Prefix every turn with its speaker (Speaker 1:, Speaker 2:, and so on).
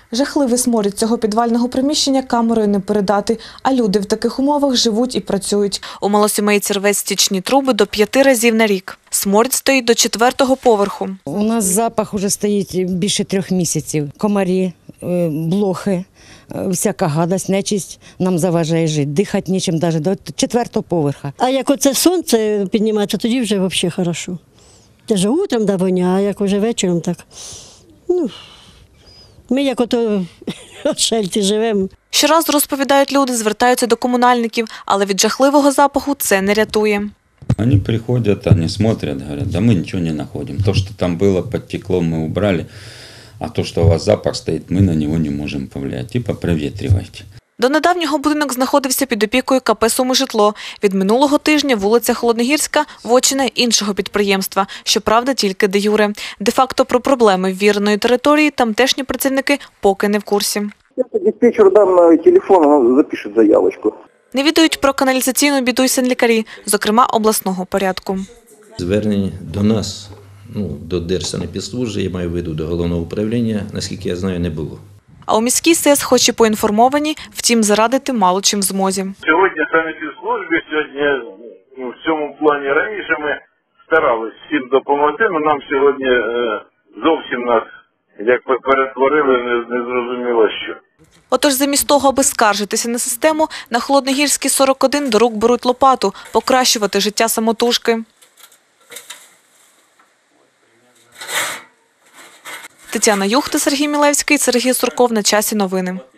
Speaker 1: Жахливий сморід цього підвального приміщення камерою не передати, а люди в таких умовах живуть і працюють. У малосімейці рве стічні труби до 5 разів на рік. Сморід стоїть до 4-го поверху.
Speaker 2: У нас запах вже стоїть більше 3 місяців. Комарі, блохи, всяка гадость, нечисть нам заважає жити. Дихати нічим навіть до 4-го поверха.
Speaker 3: А як оце сонце піднімається, тоді вже взагалі хорошо. Те ж утром да воня, а як вже вечором так. Ми як ото в шельці живемо.
Speaker 1: Щоразу, розповідають люди, звертаються до комунальників, але від жахливого запаху це не рятує.
Speaker 4: Они приходят, они смотрят, говорят, да мы ничего не находим. То, что там было, подтекло, мы убрали, а то, что у вас запах стоит, мы на него не можем повлиять. Типа проветривайте.
Speaker 1: До недавнього будинок знаходився під опікою КП «Сумижитло». Від минулого тижня вулиця Холодногірська – вотчина іншого підприємства, щоправда, тільки де-юре. Де-факто про проблеми ввіреної території тамтешні працівники поки не в курсі.
Speaker 5: Диспетчер дам на телефон, запишет заявочку.
Speaker 1: Не відають про каналізаційну біду й санлікарі, зокрема обласного порядку.
Speaker 6: Звернень до нас, до Держсанепідслужби, я маю в виду до головного управління, наскільки я знаю, не було.
Speaker 1: А у міській СЕС хоч і поінформовані, втім зарадити мало чим в змозі.
Speaker 7: Сьогодні санепідслужбі, в цьому плані раніше ми старалися всім допомогти, але нам сьогодні зовсім нас як перетворили, не зрозуміло що.
Speaker 1: Отож, замість того, аби скаржитися на систему, на Холодногірській 41 до рук беруть лопату – покращувати життя самотужки. Тетяна Юхта, Сергій Мілевський, Сергій Сурков. На часі новини.